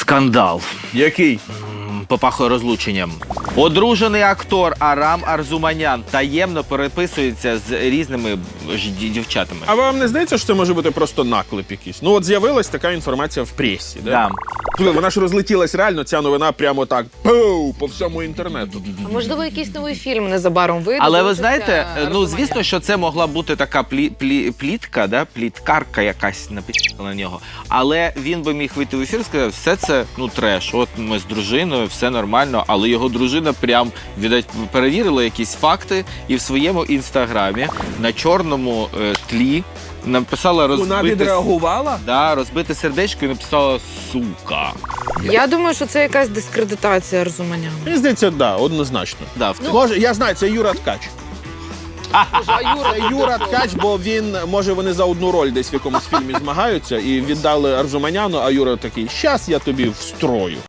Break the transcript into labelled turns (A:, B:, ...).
A: Скандал.
B: Який?
A: Попахує розлученням. Одружений актор Арам Арзуманян таємно переписується з різними дівчатами.
B: А вам не здається, що це може бути просто наклеп якийсь? Ну от з'явилась така інформація в пресі, да?
A: Да.
B: Слухай, вона ж розлетілась реально, ця новина прямо так по всьому інтернету.
C: А можливо, якийсь новий фільм незабаром вийде?
A: Але ви
C: залишиться
A: знаєте, ну
C: Арзуманян.
A: звісно, що це могла бути така плітка, да? Пліткарка якась написала на нього. Але він би міг вийти в ефір і сказати, все це треш. От ми з дружиною, все нормально, але його дружина прям перевірила якісь факти і в своєму інстаграмі на чорному тлі написала
B: Вона відреагувала?
A: Да, розбите сердечко і написала «сука».
C: Я думаю, що це якась дискредитація Арзуманяна.
B: Мені здається, да, однозначно.
A: Да,
B: Може, я знаю, це Юра Ткач. Це Юра Ткач, бо він, може, вони за одну роль десь в якомусь фільмі змагаються і віддали Арзуманяну, а Юра такий, щас я тобі встрою.